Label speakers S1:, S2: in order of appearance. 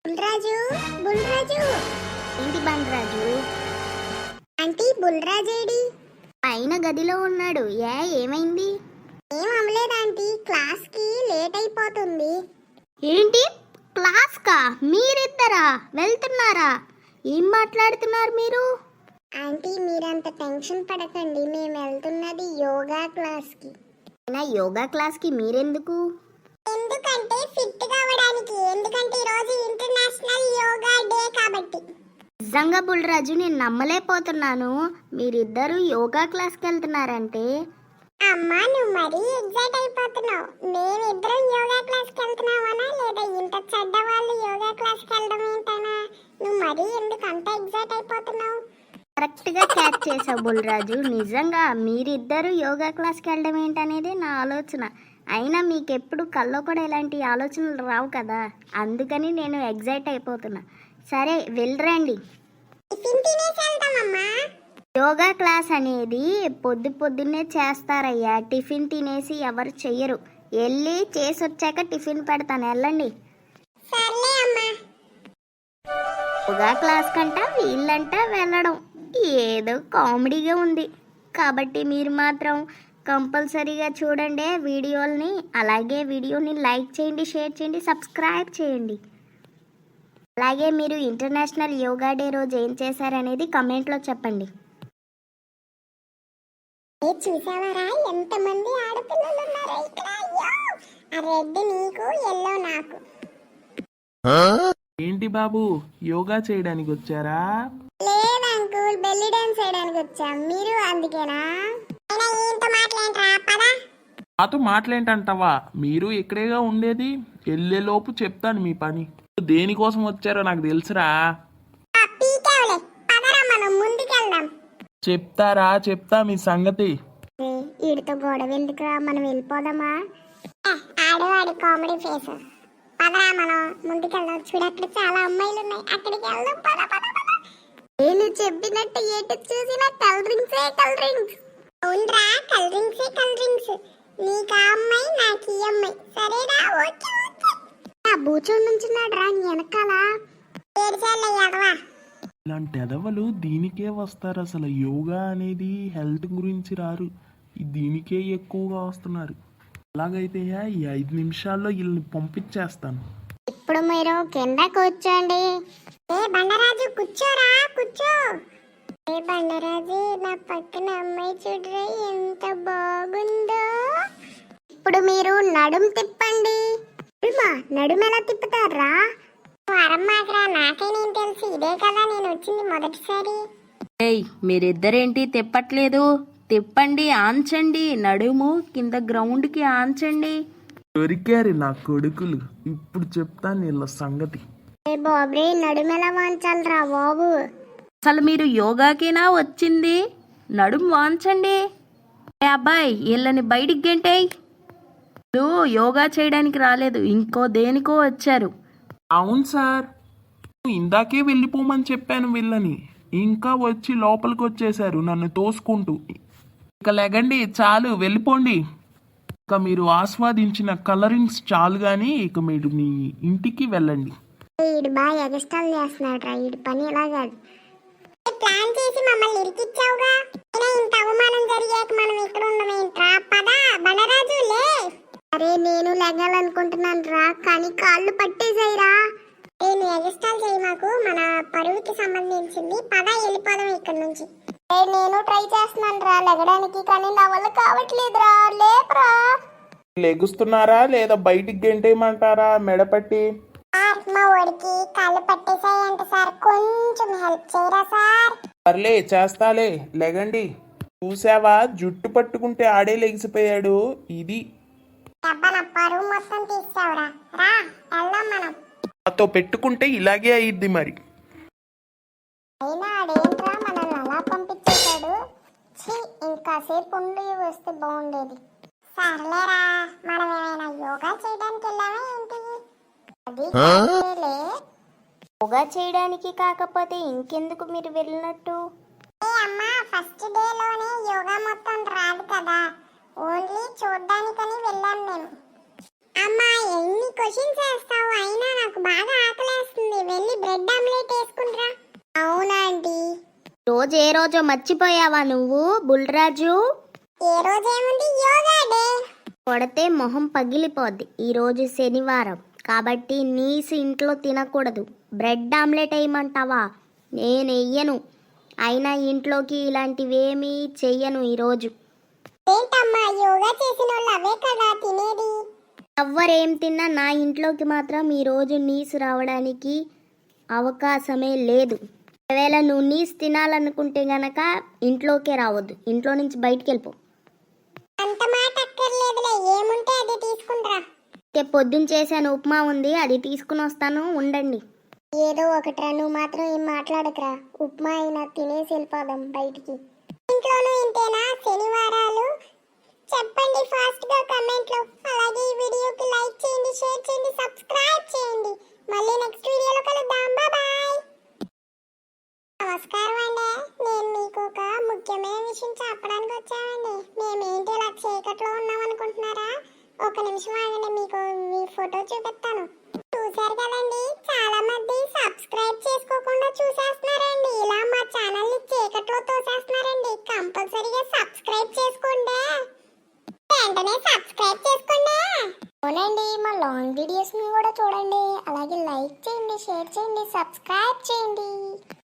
S1: బుల్రాజు బుల్రాజు
S2: ఏంటి బండరాజు?
S1: ఆంటీ బుల్రాజేడి?
S2: పైన గదిలో ఉన్నాడు. ఏమైంది?
S1: ఏం అమ్మలేదు ఆంటీ, క్లాస్ కి లేట్ అయిపోతుంది.
S2: ఏంటి క్లాస్ కా? మీరిద్దరా వెళ్తున్నారా? ఏం మాట్లాడుతున్నారు మీరు?
S1: ఆంటీ మీరంత టెన్షన్ పడకండి, మేము వెళ్తున్నది యోగా క్లాస్ కి.
S2: యోగా క్లాస్ కి మీరెందుకు?
S1: ఎందుకంటే ఫిట్ కావడానికి, ఎందుకంటే ఈరోజు ఇంటర్నేషనల్ యోగా డే కాబట్టి.
S2: నిజంగా బుల్రాజు, నేను నమ్మలేకపోతున్నాను. మీరిద్దరు యోగా క్లాస్కి వెళ్తున్నారంటే.
S1: అమ్మా నువ్వు మరీ ఎగ్జైట్ అయిపోతున్నావు. మేమిద్దరం యోగా క్లాస్కి వెళ్తున్నామనా, లేదా ఇంత చెడ్డ వాళ్ళు యోగా క్లాస్కి వెళ్ళడం ఏంటనా? నువ్వు మరీ ఎందుకు అంత ఎగ్జైట్ అయిపోతున్నావు?
S2: కరెక్ట్గా క్యాచ్ చేసావు బుల్రాజు. నిజంగా మీరిద్దరు యోగా క్లాస్కి వెళ్ళడం ఏంటనేది నా ఆలోచన. అయినా మీకెప్పుడు కల్లో కూడా ఇలాంటి ఆలోచనలు రావు కదా, అందుకని నేను ఎగ్జైట్ అయిపోతున్నా. సరే వెళ్ళరండి.
S1: టిఫిన్ తినేసి వెళ్దామమ్మా.
S2: యోగా క్లాస్ అనేది పొద్దున్నే చేస్తారయ్యా. టిఫిన్ తినేసి ఎవరు చెయ్యరు. వెళ్ళి చేసి వచ్చాక టిఫిన్ పెడతాను, వెళ్ళండి.
S1: సర్లే అమ్మా.
S2: యోగా క్లాస్ కంట వీళ్ళంట వెళ్ళడం ఏదో కామెడీగా ఉంది. కాబట్టి మీరు మాత్రం కంపల్సరీగా చూడండి వీడియోల్ని. అలాగే వీడియోని లైక్ చేయండి, షేర్ చేయండి, సబ్స్క్రైబ్ చేయండి. అలాగే మీరు ఇంటర్నేషనల్ యోగా డే రోజు ఏం చేశారనేది కమెంట్లో చెప్పండి.
S1: చూసావారా ఎంతమంది ఆడపిల్లలు ఉన్నారో ఇక్కడ. ఆ రెడ్ నీకు, ఎల్లో నాకు.
S3: ఏంటి బాబు, యోగా చేయడానికి వచ్చారా?
S1: లేదు అంకుల్, బెల్లీ డాన్స్ చేయడానికి వచ్చాం. మీరు అందుకేనా? ఏంటో మాట్లాడరా పదా.
S3: నాతో మాట్లాంటంటావా? మీరు ఇక్కడేగా ఉండేది. వెళ్ళేలోపు చెప్తాను మీ పని. దేనికోసం వచ్చారో నాకు తెలుసురా.
S1: పీకేవలే, పదరా మనం ముందుకెళ్దాం.
S3: చెప్తా మీ సంగతి.
S1: వీడితో గొడవ ఎందుకురా, మనం వెళ్ళిపోదామా? ఆడవాడి కామెడీ ఫేస్. పదరా మనం ముందుకెళ్దాం. చూడు అక్కడ చాలా అమ్మాయిలు ఉన్నాయి, అక్కడికి వెళ్దాం. పద పద పద. నేను చెప్పినట్టు ఎటు చూసినా కల్ డ్రింక్స్. అవునరా, కల్ డ్రింక్స్. నీకు ఆ అమ్మాయి, నాకు ఈ అమ్మాయి. సరేనా? Okay okay. బూచోడు నుంచున్నాడు రా నీ వెనకాల. ఏడ్చాలయ్యాడవా.
S3: ఇలాంటి ఎదవలు దీనికే వస్తారు. అసలు యోగా అనేది హెల్త్ గురించి రారు, దీనికే ఎక్కువగా వస్తున్నారు. అలాగైతే ఈ 5 నిమిషాల్లో వీళ్ళని పంపించేస్తాను.
S1: ఇప్పుడు మీరు కింద కూర్చోండి. ఏ బండరాజు కూర్చోరా, కూర్చో. ఏ బండరాజు, నా పక్కన అమ్మాయి చూడరా ఎంత బాగుందో. ఇప్పుడు మీరు నడుము తిప్పండి. నడుము ఎలా తిప్పుతారా? అరమ్మాకరా, నాకేనేం తెలుసు. ఇదే కదా నేను వచ్చింది మొదటిసారి.
S4: మీరిద్దరేంటి తిప్పట్లేదు? తిప్పండి, ఆంచండి. నడుము కింద గ్రౌండ్కి ఆంచండి.
S3: దొరికారు నా కొడుకులు. ఇప్పుడు చెప్తాను వీళ్ళ సంగతి.
S1: ఏ బాబే, నడుము ఎలా వాంచాలరా బాబు?
S4: అసలు మీరు యోగాకేనా వచ్చింది? నడుము వాంచండి. అబ్బాయి, వీళ్ళని బయటికి గెంటేయ్. యోగా చేయడానికి రాలేదు, ఇంకో దేనికో వచ్చారు.
S3: అవును సార్, ఇందాకే వెళ్ళిపోమని చెప్పాను వీళ్ళని, ఇంకా వచ్చి లోపలికి వచ్చేసారు నన్ను తోసుకుంటూ. ఇక లెగండి, చాలు వెళ్ళిపోండి. ఇక మీరు ఆస్వాదించిన కలరింగ్స్ చాలు కానీ ఇక మీరు మీ ఇంటికి వెళ్ళండి.
S1: వీడు బాగా ఎగస్టాల్ చేస్తున్నాడు రా. వీడి పని ఎలా కాదు. ప్లాన్ చేసి మమ్మల్ని ఇరికిచ్చావుగా. ఇంత అవమానం జరిగాక మనం ఇక్కడ ఉండమేంట్రా? పదా బండరాజు లే. అరే నేను లెగాలనుకుంటున్నాను రా, కానీ కాళ్ళు పట్టేసాయిరా. నేను ఎగస్టాల్ చేయి, మాకు మన పరువుకి సంబంధించింది. పదా వెళ్ళిపోదాం ఇక్కడ నుంచి. నేను ట్రై చేస్తున్నాను రా లెగడానికి, కానీ నా వల్ల కావట్లేదురా. లేపరా.
S3: లెగుస్తున్నారా లేదా బయటికి గెంటేయమంటారా మెడపట్టి?
S1: మా వాడికి కాళ్ళు పట్టేసాయంట సార్, కొంచెం హెల్ప్ చేయరా సార్?
S3: సర్లే చేస్తాలే, లెగండి. చూసావా, జుట్టు పట్టుకుంటే ఆడే లెగిసిపోయాడు. ఇది
S1: నా పరువు మొత్తం తీసావురా. రా వెళ్దాం మనం.
S3: నాతో పెట్టుకుంటే ఇలాగే అయ్యిద్ది మరి.
S1: అయినా ఆడేంట్రా మనల్ని అలా పంపించేశాడు. ఇంకాసేపు ఉండి వస్తే బాగుండేది. సర్లేరా, మనం ఏమైనా యోగా చేయడానికి వెళ్ళామా ఏంటి? అది కాదులే.
S2: యోగా చేయడానికి కాకపోతే ఇంకెందుకు మీరు వెళ్ళినట్టు?
S1: అమ్మా, ఫస్ట్ డేలోనే యోగా మొత్తం రాదు కదా, ఓన్లీ చూడ్డానికని వెళ్ళాం మేము. అమ్మా ఎన్ని క్వశ్చన్స్ వేస్తావు, అయినా నాకు బాగా ఆకలేస్తుంది.
S2: రోజు ఏ రోజో మర్చిపోయావా నువ్వు బుల్రాజు?
S1: ఏ రోజు ఏముంది, యోగా డే.
S2: కొడితే మొహం పగిలిపోద్ది. ఈరోజు శనివారం కాబట్టి నీసు ఇంట్లో తినకూడదు. బ్రెడ్ ఆమ్లెట్ వేయమంటావా? నేను వెయ్యను. అయినా ఇంట్లోకి ఇలాంటివేమీ చెయ్యను ఈరోజు.
S1: ఏంటమ్మా, యోగా చేసిన వాళ్ళు అవే కదా తినేది.
S2: ఎవ్వరేం తిన్నా నా ఇంట్లోకి మాత్రం ఈరోజు నీసు రావడానికి అవకాశమే లేదు. ఒకవేళ నువ్వు నీసు తినాలనుకుంటే గనక ఇంట్లోకే రావద్దు. ఇంట్లో నుంచి బయటికి వెళ్ళిపో.
S1: అంత మాట అక్కర్లేదులే, ఏముంటే అది తీసుకుంటా.
S2: పొద్దున్న చేశాను ఉప్మా ఉంది, అది తీసుకుని వస్తాను, ఉండండి.
S1: ఏదో ఒకట్రా, నువ్వు మాత్రం ఏం మాట్లాడకురా. ఉప్మా అయినా తినేసి వెళ్ళిపోదాం బయటికి. ఇంట్లోనూ ఇంతేనా శనివారాలు? చెప్పండి ఫాస్ట్ గా కమెంట్ లో. అలాగే ఈ వీడియోకి లైక్ చేయండి, షేర్ చేయండి, సబ్స్క్రైబ్ చేయండి. మళ్ళీ నెక్స్ట్ వీడియోలో కలుద్దాం. బాయ్. నమస్కారం అండి. నేను మీకు ఒక ముఖ్యమైన విషయం చెప్పడానికి వచ్చామండి. మేమేంటి ఇలా చీకట్లో ఉన్నాం అనుకుంటున్నారా? ఒక నిమిషం ఆగండి, మీకు మీ ఫోటో చూపిస్తాను. చూసారు కదండి, చాలా మంది సబ్స్క్రైబ్ చేసుకోకుండా చూసేస్తున్నారండి. ఇలా మా ఛానల్ ని చీకట్లో తోసేస్తున్నారండి. కంపల్సరీగా సబ్స్క్రైబ్ చేసుకోండి. వెంటనే సబ్స్క్రైబ్ చేసుకోండి. అవునండి, మా లాంగ్ వీడియోస్ ని కూడా చూడండి. అలాగే లైక్ చేయండి, షేర్ చేయండి, సబ్స్క్రైబ్ చేయండి.